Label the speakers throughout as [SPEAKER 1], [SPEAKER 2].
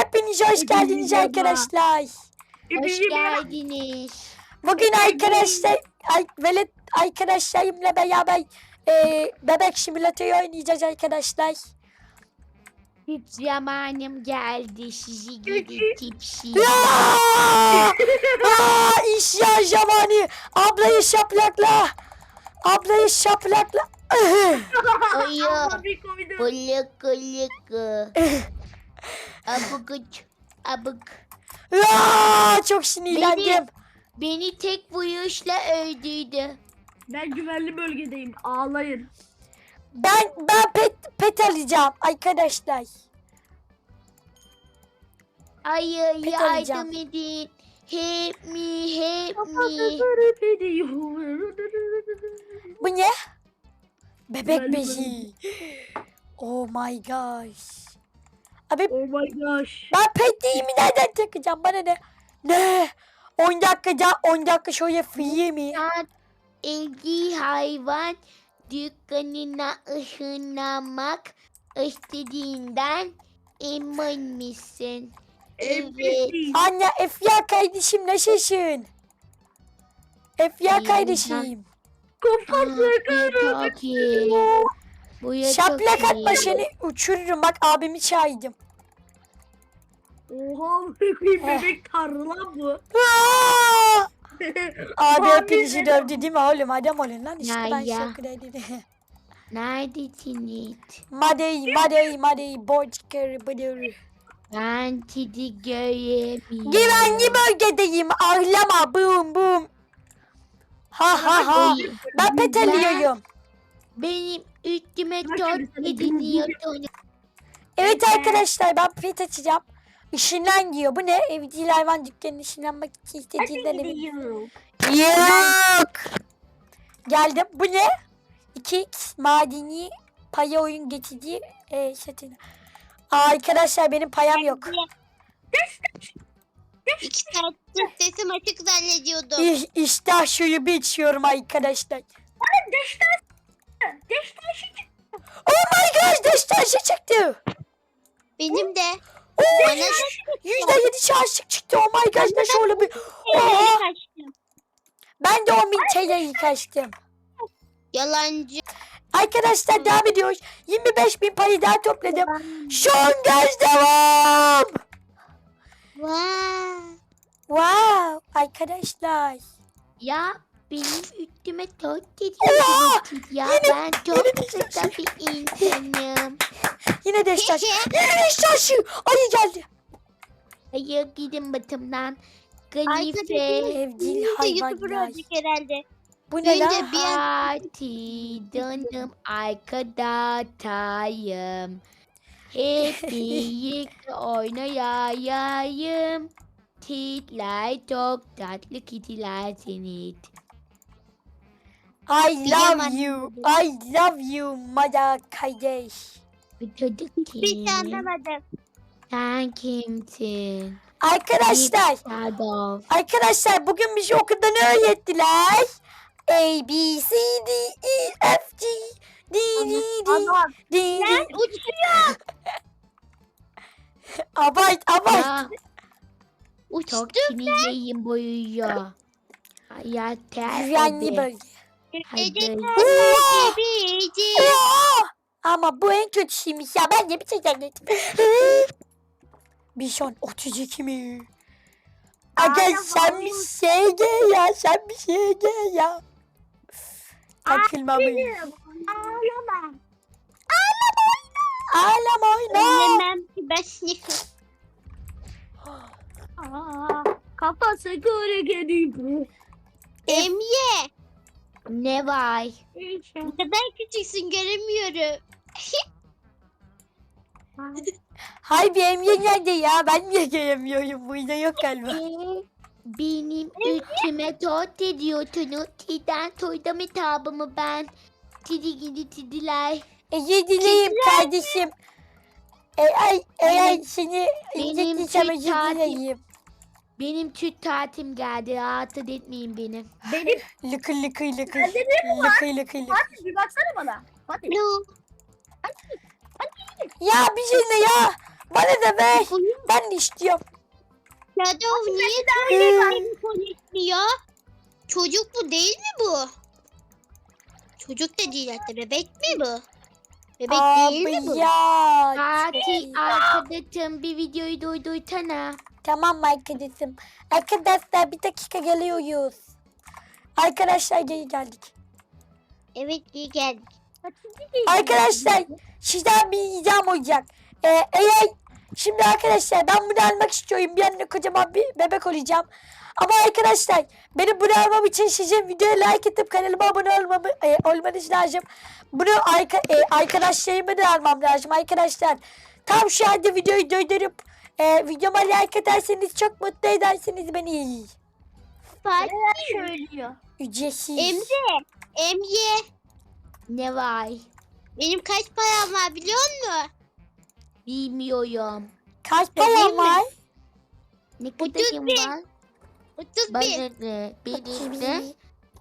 [SPEAKER 1] Hepiniz hoş geldiniz arkadaşlar.
[SPEAKER 2] Hoş geldiniz.
[SPEAKER 1] Bugün velet arkadaşlarımla beraber bebek simülatörü oynayacağız arkadaşlar.
[SPEAKER 2] Hiç zamanım geldi sizi gidi tipsi.
[SPEAKER 1] İşya zamanı. Ablayı şaplakla.
[SPEAKER 2] Oyo. Kuluk kuluk. Abuk.
[SPEAKER 1] Çok sinirlendim.
[SPEAKER 2] Beni tek vuruşla öldürdü.
[SPEAKER 3] Ben güvenli bölgedeyim. Ağlayın.
[SPEAKER 1] Ben pet alacağım arkadaşlar.
[SPEAKER 2] Hayır
[SPEAKER 1] Pet alacağım.
[SPEAKER 2] yardım edin. Help me.
[SPEAKER 1] Bu ne? Bebek
[SPEAKER 3] Güvenli
[SPEAKER 1] bezi. Oh my gosh. Abi
[SPEAKER 3] Oh my gosh.
[SPEAKER 1] ben pet değilimi nereden takacağım? Bana ne? Ne? 10 dakika şöyle free mi?
[SPEAKER 2] Sen evcil hayvan dükkanına ışınlanmak istediğinden emin misin? Evet.
[SPEAKER 1] Anne Efya kardeşim nasılsın? Efya
[SPEAKER 2] İyiyim
[SPEAKER 1] kardeşim.
[SPEAKER 3] Kafası
[SPEAKER 2] Çok iyi. Bu ya çok
[SPEAKER 1] Şaplak atma
[SPEAKER 2] iyi.
[SPEAKER 1] seni uçururum. Bak abimi çağırdım.
[SPEAKER 3] Oha bebek tanrı lan bu.
[SPEAKER 1] Aa! Abi
[SPEAKER 3] Abi
[SPEAKER 1] hepinizi dövdü değil mi oğlum? Adam olun lan işte ben
[SPEAKER 2] Ya.
[SPEAKER 1] şaka dedim.
[SPEAKER 2] Neredesiniz?
[SPEAKER 1] Madey, boçker, bıdır.
[SPEAKER 2] Ben sizi göremiyorum.
[SPEAKER 1] Güvenli bölgedeyim. Ahlama, bum. Ha.
[SPEAKER 2] Oy,
[SPEAKER 1] Ben pet alıyorum.
[SPEAKER 2] benim üstüme
[SPEAKER 3] Bak
[SPEAKER 2] çok
[SPEAKER 3] şimdi sana
[SPEAKER 2] ediniyorsun.
[SPEAKER 1] Evet arkadaşlar ben pet açacağım. Işınlan diyor. Bu ne? Evcil hayvan dükkanına ışınlanmak için istediğinden emin. Yok. Geldim. Bu ne? 2x madeni paya oyun geçici satın. Arkadaşlar benim payam yok.
[SPEAKER 4] İki saattir sesim açık zannediyordum.
[SPEAKER 1] İşte şuyu bir içiyorum arkadaşlar.
[SPEAKER 3] Deştaşı.
[SPEAKER 1] Oh my gosh destansı çıktı.
[SPEAKER 4] Benim de.
[SPEAKER 1] Oo,
[SPEAKER 4] Bana
[SPEAKER 1] %7 şanslık çıktı. Oh my gosh ne şöyle bir. Oha.
[SPEAKER 4] kaçtım.
[SPEAKER 1] Ben de 10.000 TL'yi kaçtım.
[SPEAKER 4] Yalancı.
[SPEAKER 1] Arkadaşlar devam ediyoruz. 25.000 payı daha topladım. Son gaz devam.
[SPEAKER 4] Vay.
[SPEAKER 1] Wow arkadaşlar.
[SPEAKER 2] Ya benim üstüme çok
[SPEAKER 1] Oha!
[SPEAKER 2] ediyorsunuz. Ya ben
[SPEAKER 1] yine
[SPEAKER 2] çok
[SPEAKER 1] de
[SPEAKER 2] kısa bir insanım.
[SPEAKER 1] Yine destansı. Yine destansı. Ayı geldi.
[SPEAKER 2] Hayır gidin batımdan.
[SPEAKER 4] Arkadaşım
[SPEAKER 2] Kalife.
[SPEAKER 1] Evcil
[SPEAKER 4] YouTuber
[SPEAKER 1] hayvanlar.
[SPEAKER 4] olacak herhalde.
[SPEAKER 1] Bu ne
[SPEAKER 4] Bence
[SPEAKER 1] lan?
[SPEAKER 4] bir an
[SPEAKER 2] Parti canım arkadaşım. Hep birlikte oynayayım. Titler çok tatlı kitiler seni.
[SPEAKER 1] I love you mother kardeş.
[SPEAKER 2] Bu çocuk
[SPEAKER 4] hiç
[SPEAKER 2] kim?
[SPEAKER 4] anlamadım.
[SPEAKER 2] Sen kimsin?
[SPEAKER 1] Arkadaşlar.
[SPEAKER 2] Shadow.
[SPEAKER 1] Bugün bizi okulda ne öğrettiler? A, B, C, D, E, F, G, D,
[SPEAKER 3] Adam.
[SPEAKER 1] D, D.
[SPEAKER 4] Uçuyor.
[SPEAKER 1] Abart.
[SPEAKER 2] Ya,
[SPEAKER 4] Uçtum.
[SPEAKER 2] çok sinirliyim boyuyor. Hayat
[SPEAKER 1] Güvenli bölge.
[SPEAKER 4] Gece
[SPEAKER 1] Oo!
[SPEAKER 4] bici.
[SPEAKER 1] Oo! Ama bu en kötüsüymüş ya. Ben de bir şey zannettim. Bişon 32 mi? Aga sen bir şey gel ya. Takılmamış.
[SPEAKER 4] Ağlama.
[SPEAKER 1] Ağlama oyna.
[SPEAKER 4] Söylemem ki ben sniffim.
[SPEAKER 3] Kafası kırık ediyor.
[SPEAKER 4] Emye.
[SPEAKER 2] Ne var?
[SPEAKER 4] Ne kadar küçüksün göremiyorum.
[SPEAKER 1] Hay bir emye nerede ya? Ben niye gelemiyorum? Burada yok galiba.
[SPEAKER 2] Benim üstüme tot ediyorsunuz. Sizden soydum hitabımı ben. Sizi gidi sidiler.
[SPEAKER 1] Özür dileyim kardeşim. Eğer seni
[SPEAKER 2] benim
[SPEAKER 1] incittiysem özür
[SPEAKER 2] Türk
[SPEAKER 1] dileyim.
[SPEAKER 2] Benim Türk tatilim geldi. Rahatsız etmeyin beni.
[SPEAKER 3] Benim.
[SPEAKER 1] Lıkır.
[SPEAKER 3] Fatih bir baksana bana. Fatih.
[SPEAKER 4] No.
[SPEAKER 1] Ya bir şey ne ya? Bana da ver.
[SPEAKER 4] Koyun
[SPEAKER 1] Ben de istiyorum.
[SPEAKER 4] Shadow niye böyle konuşuyor? Çocuk bu değil mi bu? Çocuk da değil hatta bebek mi bu? Bebek değil mi
[SPEAKER 1] Abi
[SPEAKER 4] bu?
[SPEAKER 1] ya.
[SPEAKER 2] Fatih arkadaşım bir videoyu duydursana.
[SPEAKER 1] Tamam arkadaşım. Arkadaşlar bir dakika geliyoruz. Arkadaşlar geri geldik.
[SPEAKER 4] Evet iyi geldik.
[SPEAKER 1] Arkadaşlar sizden bir ricam olacak. Eğer şimdi arkadaşlar ben bunu almak istiyorum. Bir anda kocaman bir bebek olacağım. Ama arkadaşlar benim bunu almam için sizin videoya like atıp kanalıma abone olmanız lazım. Bunu arkadaşlarıma da almam lazım arkadaşlar. Tam şu anda videoyu durdurup videoma like atarsanız çok mutlu edersiniz beni.
[SPEAKER 4] Fatih
[SPEAKER 3] söylüyor.
[SPEAKER 1] Ücretsiz.
[SPEAKER 4] Emre
[SPEAKER 2] Ne var?
[SPEAKER 4] benim kaç param var biliyor musun?
[SPEAKER 2] Bilmiyorum.
[SPEAKER 1] Kaç param var?
[SPEAKER 2] Ne
[SPEAKER 4] 31.
[SPEAKER 2] kadarım var?
[SPEAKER 4] 31.
[SPEAKER 2] Bana ne? Benim de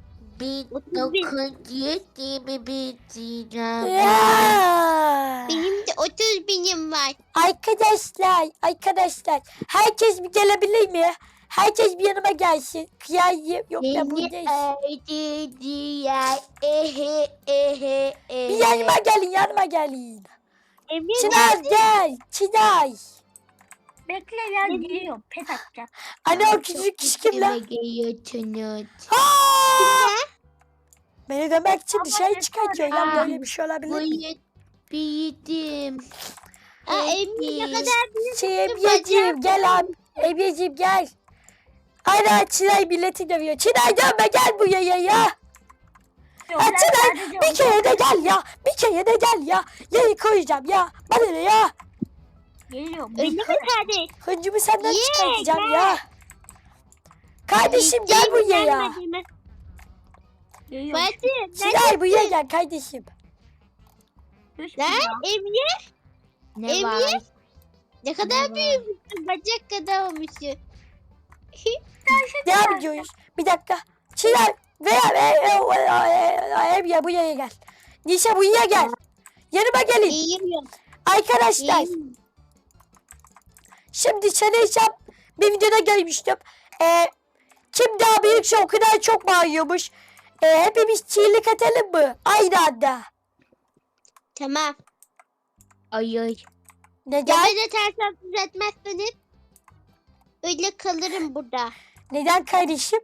[SPEAKER 2] 1921 diyeceğim.
[SPEAKER 1] Ya.
[SPEAKER 4] Benim de 30 binim var.
[SPEAKER 1] Arkadaşlar herkes bir gelebilir mi? Herkes bir yanıma gelsin. Kıyayım yok da
[SPEAKER 2] Beni
[SPEAKER 1] buradayız.
[SPEAKER 2] öldürdüler. Ehe.
[SPEAKER 1] Bir yanıma gelin.
[SPEAKER 4] Emre
[SPEAKER 1] Çınar gel. Çınar.
[SPEAKER 3] Bekle ya geliyorum. Pet atacağım.
[SPEAKER 1] Anne o küçük kişi kim lan?
[SPEAKER 2] Geliyorsunuz.
[SPEAKER 1] Aa! Beni demek için
[SPEAKER 3] Ama
[SPEAKER 1] dışarı
[SPEAKER 3] yeter.
[SPEAKER 1] çıkartıyor. Ya
[SPEAKER 2] Aa,
[SPEAKER 1] böyle bir şey olabilir mi?
[SPEAKER 2] Büyüdüm.
[SPEAKER 4] Emre ne kadar büyük.
[SPEAKER 1] Ebiyeciğim gel abi. Ebiyeciğim gel. Ana Çınar milleti dövüyor. Çınar dönme gel buraya ya.
[SPEAKER 3] Yok,
[SPEAKER 1] Ha,
[SPEAKER 3] ben
[SPEAKER 1] Çınar
[SPEAKER 3] sadece
[SPEAKER 1] bir kere de gel ya. Bir kere de gel ya. Yayı koyacağım ya. Bana ne ya?
[SPEAKER 3] geliyorum.
[SPEAKER 4] Öyle mi kardeş?
[SPEAKER 1] Hıncımı senden
[SPEAKER 4] Ye,
[SPEAKER 1] çıkartacağım
[SPEAKER 4] gel.
[SPEAKER 1] ya. Kardeşim gel
[SPEAKER 4] Değil mi,
[SPEAKER 1] buraya ya.
[SPEAKER 4] gelmedi mi?
[SPEAKER 3] Geliyorum.
[SPEAKER 4] Fatih
[SPEAKER 1] Çınar buraya gel kardeşim.
[SPEAKER 3] Düşmüyor.
[SPEAKER 4] lan Emre
[SPEAKER 2] Ne
[SPEAKER 4] Emre?
[SPEAKER 2] var?
[SPEAKER 4] ne kadar büyümüşsün bacak kadar olmuşsun.
[SPEAKER 1] Ne yapıyoruz? Bir dakika. Çınar veya buraya gel. Nişe buraya gel. Yanıma gelin.
[SPEAKER 4] İyiyim
[SPEAKER 1] Arkadaşlar.
[SPEAKER 4] iyiyim.
[SPEAKER 1] Şimdi sanırsam bir videoda görmüştüm. Kim daha büyükse o kadar çok bağırıyormuş. Hepimiz çiğlik atalım mı? Aynı anda.
[SPEAKER 4] Tamam.
[SPEAKER 2] Ay.
[SPEAKER 1] Neden?
[SPEAKER 4] Beni ters düzeltmezseniz öyle kalırım burada.
[SPEAKER 1] Neden kardeşim?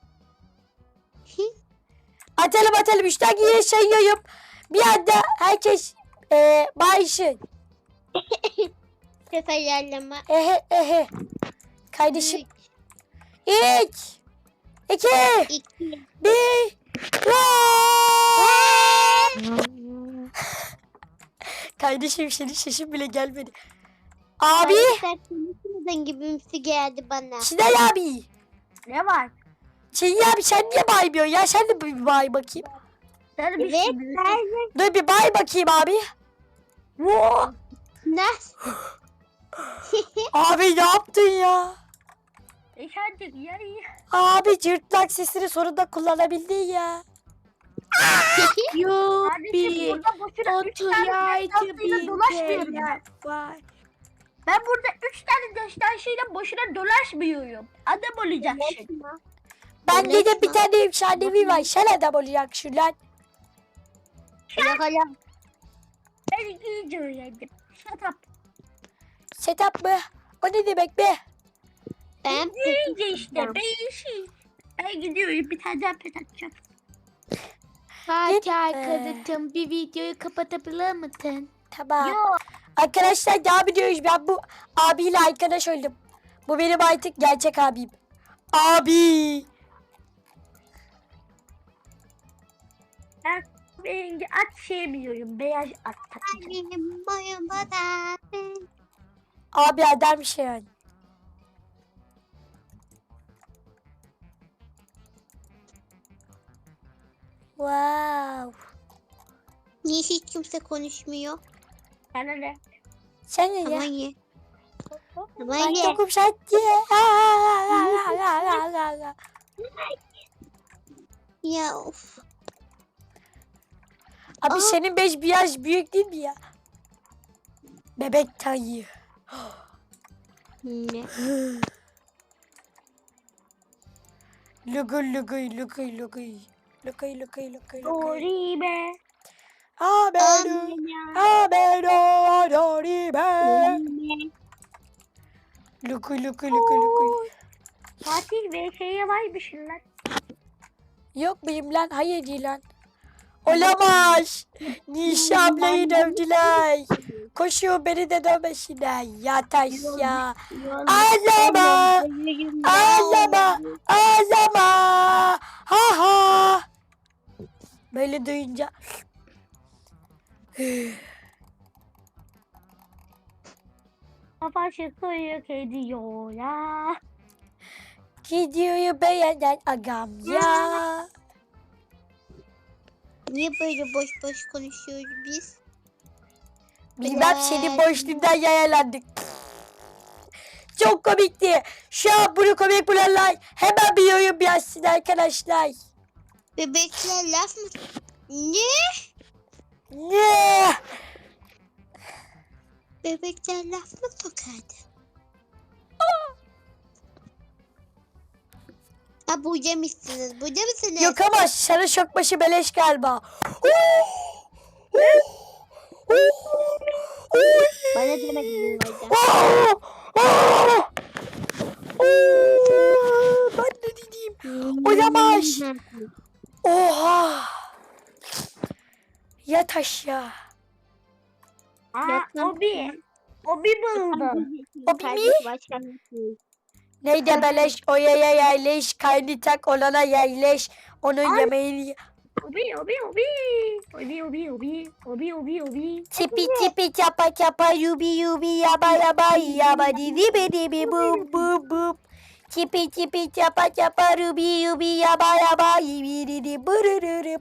[SPEAKER 1] Atalım. Üçten geriye sayıyorum. Bir anda herkes bağırsın.
[SPEAKER 4] Seferlerleme.
[SPEAKER 1] Ehe. Kardeşim. 3, 2,
[SPEAKER 4] 2.
[SPEAKER 1] 1. Kardeşim senin sesin bile gelmedi. Abi.
[SPEAKER 4] Konuşmadan gibimsi geldi bana.
[SPEAKER 1] Çınar abi.
[SPEAKER 3] Ne var?
[SPEAKER 1] Çınar abi sen niye bağırmıyorsun ya? Sen de bir bağır bakayım.
[SPEAKER 3] Sen bir
[SPEAKER 4] Evet
[SPEAKER 3] şey
[SPEAKER 4] ben
[SPEAKER 1] Dur bir bağır bakayım abi.
[SPEAKER 4] nasıl?
[SPEAKER 1] Abi ne yaptın ya?
[SPEAKER 3] Hadi ya.
[SPEAKER 1] Abi cırtlak sesini sonunda kullanabildin ya.
[SPEAKER 3] Kardeşim
[SPEAKER 2] Yuppie.
[SPEAKER 3] burada boşuna 3 tane
[SPEAKER 2] Oturaydı
[SPEAKER 3] destansıyla dolaşmıyorum ben.
[SPEAKER 1] Vay.
[SPEAKER 3] Ben burada 3 tane destansıyla boşuna dolaşmıyorum. Adam olacaksın.
[SPEAKER 1] Bende de bir tane efsanevi var. Sen adam olacaksın lan.
[SPEAKER 4] Yakala.
[SPEAKER 3] Ben iyice öğrendim. Shut up.
[SPEAKER 1] Setup mı? O ne demek be?
[SPEAKER 4] Ben
[SPEAKER 3] İyice işte. Ben gidiyorum. Bir tane daha pet atacağım.
[SPEAKER 2] Fatih arkadaşım bir videoyu kapatabilir misin?
[SPEAKER 1] Tamam.
[SPEAKER 3] Yok.
[SPEAKER 1] Arkadaşlar devam ediyoruz. Ben bu abiyle arkadaş oldum. Bu benim artık gerçek abim. Abi.
[SPEAKER 3] Rengi at sevmiyorum. Beyaz at takacağım.
[SPEAKER 4] benim boyuma da.
[SPEAKER 1] Abi adam şey yani. Wow.
[SPEAKER 4] Niye hiç kimse konuşmuyor?
[SPEAKER 3] Sana ne?
[SPEAKER 1] Sen ne
[SPEAKER 4] Aman
[SPEAKER 1] ya?
[SPEAKER 4] ye. Aman
[SPEAKER 1] Ben
[SPEAKER 4] ye.
[SPEAKER 1] yokum sattı.
[SPEAKER 4] Ya of.
[SPEAKER 1] Abi
[SPEAKER 4] Aa.
[SPEAKER 1] senin 5 bir yaş büyük değil mi ya? Bebek tayı.
[SPEAKER 4] Ne?
[SPEAKER 1] Luguy luguy luguy luguy. Luguy luguy luguy luguy.
[SPEAKER 3] Doribe.
[SPEAKER 1] Ameno. Ameno. Doribe. Luguy luguy luguy luguy.
[SPEAKER 3] Fatih VK'ye varmışsın lan.
[SPEAKER 1] Yok muyum lan? Hayır değil lan. Olamaz. Nişe ablayı dövdüler. Koşuyor beni de dövmesinler. Yataş ya. Ağlama. Ağlama. Ağlama. Ha ha. Böyle duyunca.
[SPEAKER 3] Kafa çıkıyor ediyor ya.
[SPEAKER 1] Gidiyor beğenen agam ya.
[SPEAKER 4] Niye böyle boş boş konuşuyoruz biz?
[SPEAKER 1] Bilmem senin boşluğundan yayalandık. Çok komikti. Şu an bunu komik bulanlar hemen bir yorum yazsın arkadaşlar.
[SPEAKER 4] Bebekler laf mı? Ne?
[SPEAKER 1] Ne?
[SPEAKER 4] Bebekler laf mı sokardı? Ha burada mısınız? Burada mısınız?
[SPEAKER 1] Yok ama sana şokbaşı beleş galiba.
[SPEAKER 4] Bana demedin orada.
[SPEAKER 1] Ben ne diyeyim? Olamaz. Oha. Yat aşağı.
[SPEAKER 3] Obi. Obi buldum.
[SPEAKER 1] O mi? Neyde beleş oyaya yerleş. Kaynitak olana yerleş. Onun yemeğini ye.
[SPEAKER 3] Obi.
[SPEAKER 1] Tipi tipi çapa çapa yubi yubi yaba yaba yaba dibi dibi bum bum bum. Tipi tipi çapa çapa rubi yubi yaba yaba yibi didi burururu.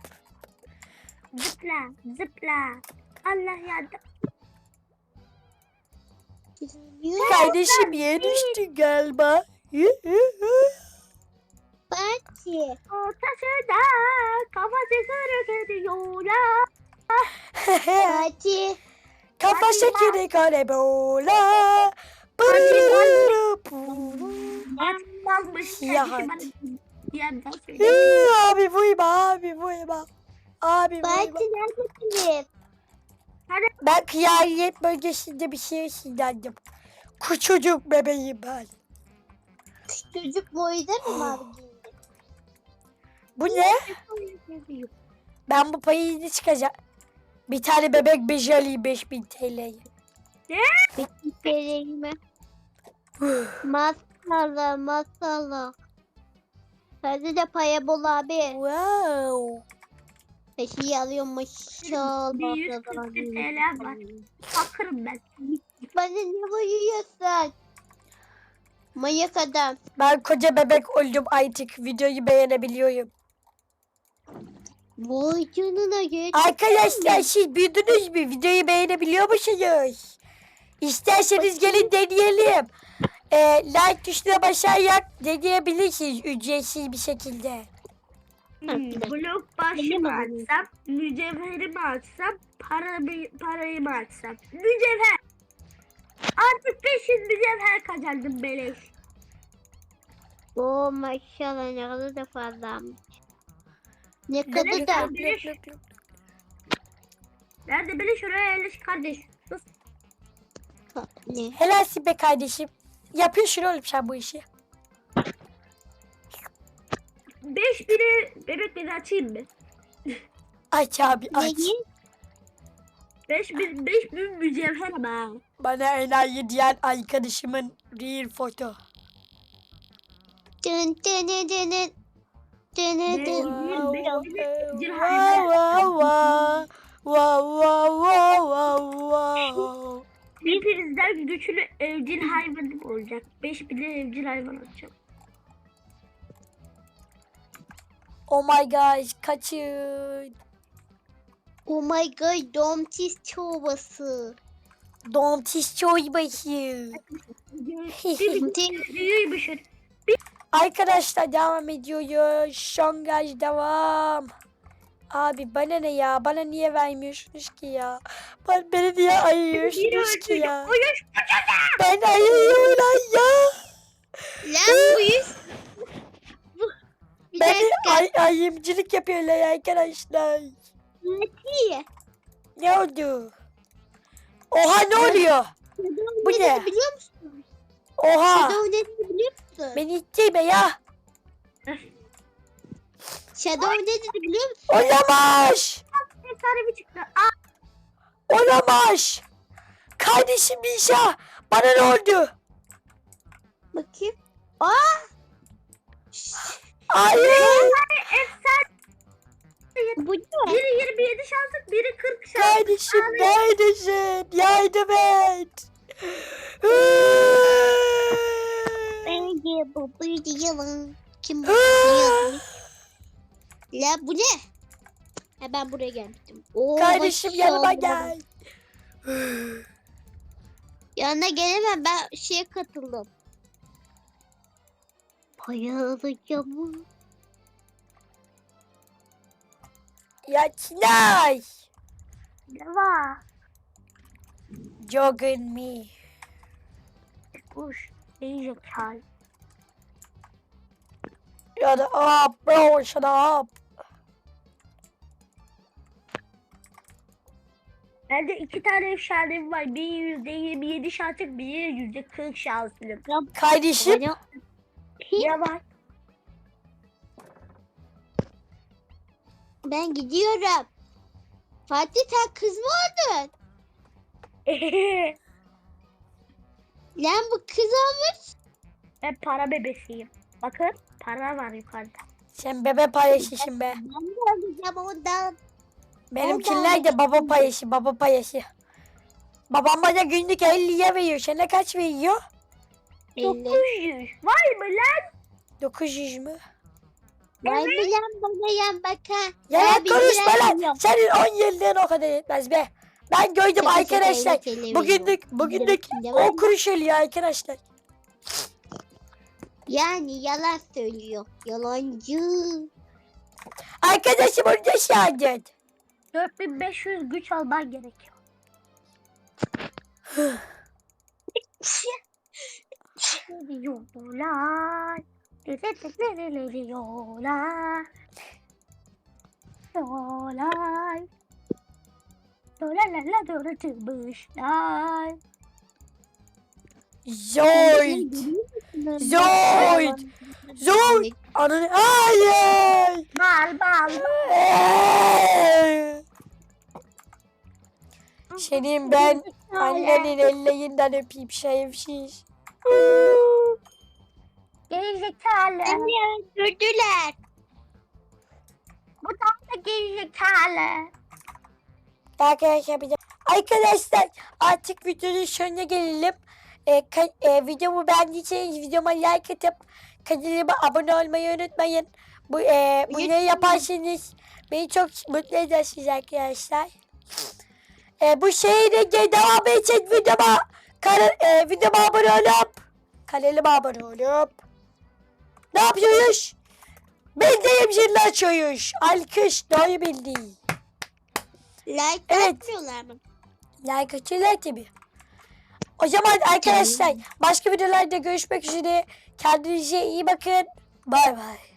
[SPEAKER 3] Zıpla. Allah yardım.
[SPEAKER 1] Kardeşim yere düştü galiba.
[SPEAKER 4] Fatih.
[SPEAKER 3] Ortasında kafası kırık ediyor ya.
[SPEAKER 4] Fatih.
[SPEAKER 1] Kafa şekeri karebola. Burururu.
[SPEAKER 3] Atmamış.
[SPEAKER 1] Ya
[SPEAKER 3] Kardeşim
[SPEAKER 1] Abi vurma abi vurma. Abi vurma.
[SPEAKER 4] Fatih neredesiniz?
[SPEAKER 1] Ben kraliyet bölgesinde bir şey sinirlendim. Küçücük bebeğim ben.
[SPEAKER 4] Çocuk boyda mı var giyindi?
[SPEAKER 1] Bu ne? Ben bu payını çıkacağım. Bir tane bebek beji alayım 5000 TL'ye.
[SPEAKER 4] Vereyim mi? Masalı. Hadi de paya bol abi.
[SPEAKER 1] Wow.
[SPEAKER 4] Peşi alıyorum maşallah.
[SPEAKER 3] 140 TL var. Fakırım ben.
[SPEAKER 4] Bana ne vuruyorsun? Manyak adam.
[SPEAKER 1] Ben koca bebek oldum artık. Videoyu beğenebiliyorum.
[SPEAKER 4] Vay canına geç.
[SPEAKER 1] Arkadaşlar siz büyüdünüz mü? Videoyu beğenebiliyor musunuz? İsterseniz gelin deneyelim. Like tuşuna basarak deneyebilirsiniz ücretsiz bir şekilde.
[SPEAKER 3] Blok başı mı açsam, mücevheri mi açsam, parayı mı açsam? Mücevher. Artık 500 mücevher kazandım beleş.
[SPEAKER 4] Oo maşallah ne kadar da fazlamış. Ne kadar da.
[SPEAKER 3] Nerede beleş oraya yerleş kardeş. Sus.
[SPEAKER 4] Ne?
[SPEAKER 1] Helalsin be kardeşim. Yapıyorsun oğlum sen bu işi.
[SPEAKER 3] 5000'i bebekleri açayım mı?
[SPEAKER 1] Aç abi aç.
[SPEAKER 4] Ne?
[SPEAKER 3] 5000 mücevher ama.
[SPEAKER 1] Bana enayi diyen arkadaşımın real foto.
[SPEAKER 4] Dın dın dın dın dın. Dın dın dın.
[SPEAKER 3] Hepinizden güçlü evcil hayvanım olacak. 5000'e evcil hayvan atacağım.
[SPEAKER 1] Oh my gosh kaçın.
[SPEAKER 4] Oh my god domates çorbası.
[SPEAKER 1] Domates çorbası.
[SPEAKER 3] Büyüymüş.
[SPEAKER 1] Arkadaşlar devam ediyoruz. Şongaj devam. Abi bana ne ya? Bana niye vermiyorsunuz ki ya? Beni niye ayırıyorsunuz ki ya? Ben ayırıyorum lan ya.
[SPEAKER 4] Lan bu yüz. Bir
[SPEAKER 1] Beni
[SPEAKER 4] dakika.
[SPEAKER 1] ayımcılık yapıyorlar arkadaşlar.
[SPEAKER 4] Fatih.
[SPEAKER 1] Ne oldu? Oha ne oluyor? Bu
[SPEAKER 4] Bu
[SPEAKER 1] ne?
[SPEAKER 4] biliyor musun?
[SPEAKER 1] Oha.
[SPEAKER 4] Shadow ne biliyor musun?
[SPEAKER 1] Beni ittirme ya.
[SPEAKER 4] Shadow ne dedi biliyor musun?
[SPEAKER 1] Olamaz.
[SPEAKER 3] Efsane bir çıktı.
[SPEAKER 1] Olamaz. Kardeşim Nişa. Bana ne oldu?
[SPEAKER 4] Bakayım.
[SPEAKER 1] Hayır.
[SPEAKER 3] Efsane.
[SPEAKER 4] Bu ne?
[SPEAKER 3] Biri 27 şanslık, biri 40 şanslık.
[SPEAKER 1] Kardeşim neredesin? Yardım et.
[SPEAKER 4] Bence bu bir yalan. Kim bu? Ne yazmış? La bu ne? Ha ben buraya gelmiştim. Oo,
[SPEAKER 1] Kardeşim yanıma
[SPEAKER 4] maşallah.
[SPEAKER 1] gel.
[SPEAKER 4] Yanına gelemem, ben şeye katıldım. Bayılacağım.
[SPEAKER 1] Ya Çinay.
[SPEAKER 3] Ne var?
[SPEAKER 1] Jogging me.
[SPEAKER 3] Kuş. İyice kal.
[SPEAKER 1] Shut up bro, shut up.
[SPEAKER 3] Bende 2 tane efsanem var. Biri %27 şanslık, biri %40 şanslık.
[SPEAKER 1] Kardeşim
[SPEAKER 4] Bana-
[SPEAKER 3] Ne var?
[SPEAKER 4] Ben gidiyorum. Fatih sen kız mı oldun? Lan bu kız olmuş.
[SPEAKER 3] Ben para bebesiyim. Bakın para var yukarıda.
[SPEAKER 1] sen bebe paylaşışın be.
[SPEAKER 4] Ben de olacağım ondan.
[SPEAKER 1] Benimkiler de baba payışı, baba payışı. Babam bana günlük 50'ye veriyor. Sana kaç veriyor?
[SPEAKER 3] 900. Vay mı lan?
[SPEAKER 1] 900 mü?
[SPEAKER 4] Vay bilen bana yan baka.
[SPEAKER 1] Yalan
[SPEAKER 4] bir
[SPEAKER 1] konuşma
[SPEAKER 4] lira
[SPEAKER 1] lan.
[SPEAKER 4] yok.
[SPEAKER 1] Senin 10 yıllığın o kadar etmez be. Ben gördüm
[SPEAKER 4] Şaka şaka,
[SPEAKER 1] arkadaşlar.
[SPEAKER 4] 50 TL
[SPEAKER 1] Bugünlük
[SPEAKER 4] veriyor.
[SPEAKER 1] 10 kuruş ölüyor arkadaşlar.
[SPEAKER 4] Yani yalan söylüyor. Yalancı.
[SPEAKER 1] Arkadaşım onu da şahit.
[SPEAKER 3] 4500 güç alman gerekiyor. Diyorlar. Diyorlar. Diyorlar. Dolarlarla dolaşmışlar.
[SPEAKER 1] Zoid. Zoid. Zoid. Ananı. Hayır.
[SPEAKER 3] Bal bal.
[SPEAKER 1] Senin ben annenin ellerinden öpeyim şerefsiz.
[SPEAKER 3] Gerizekalı.
[SPEAKER 4] Beni öldürdüler.
[SPEAKER 3] Bu tam da gerizekalı.
[SPEAKER 1] Arkadaşlar artık videonun sonuna gelelim. Videomu beğendiyseniz videoma like atıp kanalıma abone olmayı unutmayın. Bunu yaparsanız beni çok mutlu edersiniz arkadaşlar. Bu şeyle devam için videoma abone olup kanalıma abone olup ne yapıyoruz? Bildiğim zilini açıyoruz. Alkış doğru bildi.
[SPEAKER 4] Like
[SPEAKER 1] Evet.
[SPEAKER 4] atmıyorlar mı?
[SPEAKER 1] Like atıyorlar tabii. O zaman arkadaşlar başka videolarda görüşmek üzere. Kendinize iyi bakın. Bay bay.